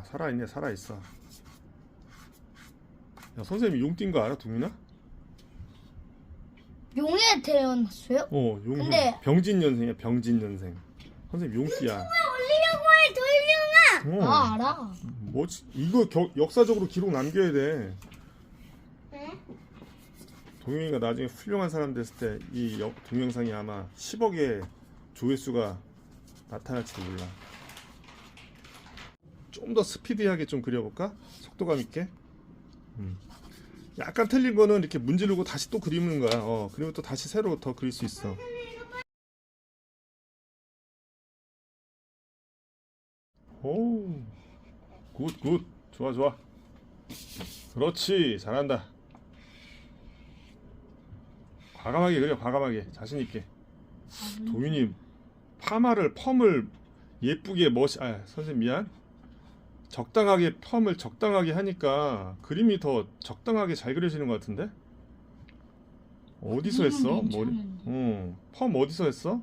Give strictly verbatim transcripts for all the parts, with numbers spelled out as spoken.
살아있네, 살아있어. 야, 선생님이 용 띈 거 알아, 동민아? 용에 태어났어요? 어, 용. 근데- 병진년생이야, 병진년생. 선생님 용띠야. 올리려고 해 돌룡아. 어. 아 알아. 뭐지? 이거 겨, 역사적으로 기록 남겨야 돼. 응? 동영이가 나중에 훌륭한 사람 됐을 때 이 동영상이 아마 십억의 조회수가 나타날지도 몰라. 좀 더 스피디하게 좀 그려볼까? 속도감 있게. 음. 약간 틀린 거는 이렇게 문지르고 다시 또 그리는 거야. 어, 그리고 또 다시 새로 더 그릴 수 있어. 오, 굿, 굿. 좋아, 좋아. 그렇지, 잘한다. 과감하게 그려, 과감하게. 자신있게. 도윤이 파마를, 펌을 예쁘게 멋이, 아, 선생님 미안. 적당하게 펌을 적당하게 하니까 그림이 더 적당하게 잘 그려지는 것 같은데? 어디서 했어? 음, 머리, 괜찮은데. 어, 펌 어디서 했어?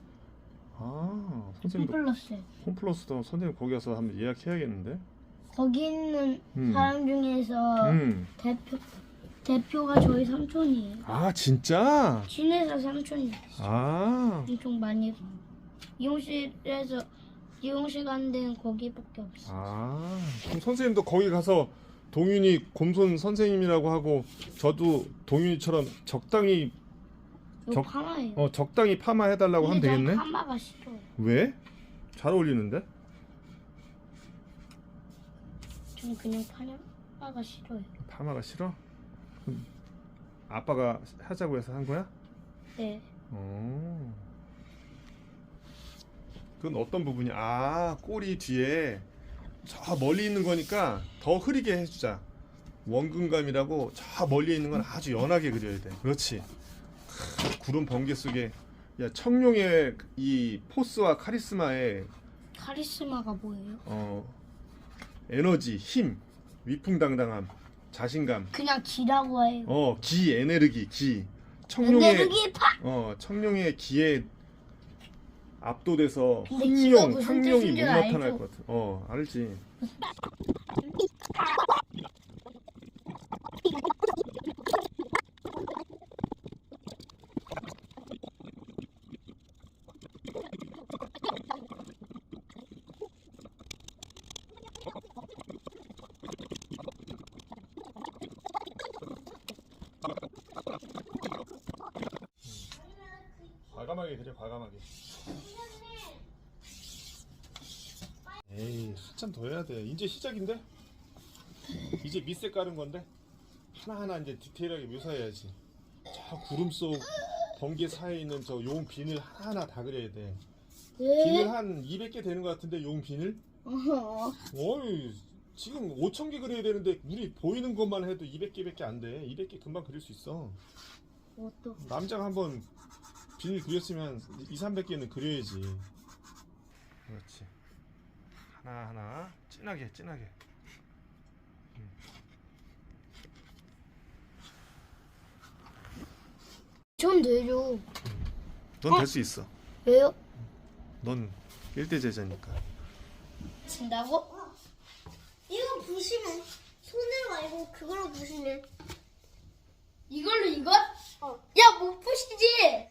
아, 선생님도 홈플러스. 홈플러스도 선생님 거기 가서 한번 예약해야겠는데? 거기 있는 음. 사람 중에서 음. 대표 대표가 저희 삼촌이에요. 아, 진짜? 시내에서 삼촌이 아, 엄청 많이 미용실에서 미용실 가는 데는 거기밖에 없어. 아, 그럼 선생님도 거기 가서 동윤이 곰손 선생님이라고 하고 저도 동윤이처럼 적당히 이거 적- 파마예요. 어 적당히 파마 해달라고 하면 근데 난 되겠네? 파마가 싫어. 왜? 잘 어울리는데? 전 그냥 파마가 싫어요. 파마가 싫어? 그럼 아빠가 하자고 해서 한 거야? 네. 어. 그건 어떤 부분이? 아, 꼬리 뒤에 저 멀리 있는 거니까 더 흐리게 해주자. 원근감이라고 저 멀리 있는 건 아주 연하게 그려야 돼. 그렇지. 크, 구름 번개 속에 야, 청룡의 이 포스와 카리스마의 카리스마가 뭐예요? 어, 에너지, 힘, 위풍당당함, 자신감, 그냥 기라고 해요. 어, 기, 에네르기, 기. 청룡의 에네르기 파. 어, 청룡의 기에 압도돼서 근데 기가 흥룡, 무슨 상룡이 못 뜻인 줄 나타날 알죠? 것 같아. 어, 알지. 과감하게 그래, 과감하게. 에이, 한참 더 해야 돼. 이제 시작인데? 이제 밑에 깔은 건데? 하나하나 이제 디테일하게 묘사해야지. 저 구름 속 번개 사이에 있는 저 용 비늘 하나하나 다 그려야 돼. 비늘 왜? 한 이백 개 되는 것 같은데, 용 비늘? 어. 어이, 지금 오천 개 그려야 되는데, 우리 보이는 것만 해도 이백 개밖에 안 돼. 이백 개 금방 그릴 수 있어. 뭐또? 남자가 한번 비닐 그렸으면 이삼백 개는 그려야지. 그렇지. 하나하나 진하게 진하게. 전 되죠. 넌 될 수 있어. 왜요? 넌 일대 제자니까. 진다고? 이거 부시면 손으로 말고 그걸로 부시면. 이걸로 이거? 어. 야, 못 부시지?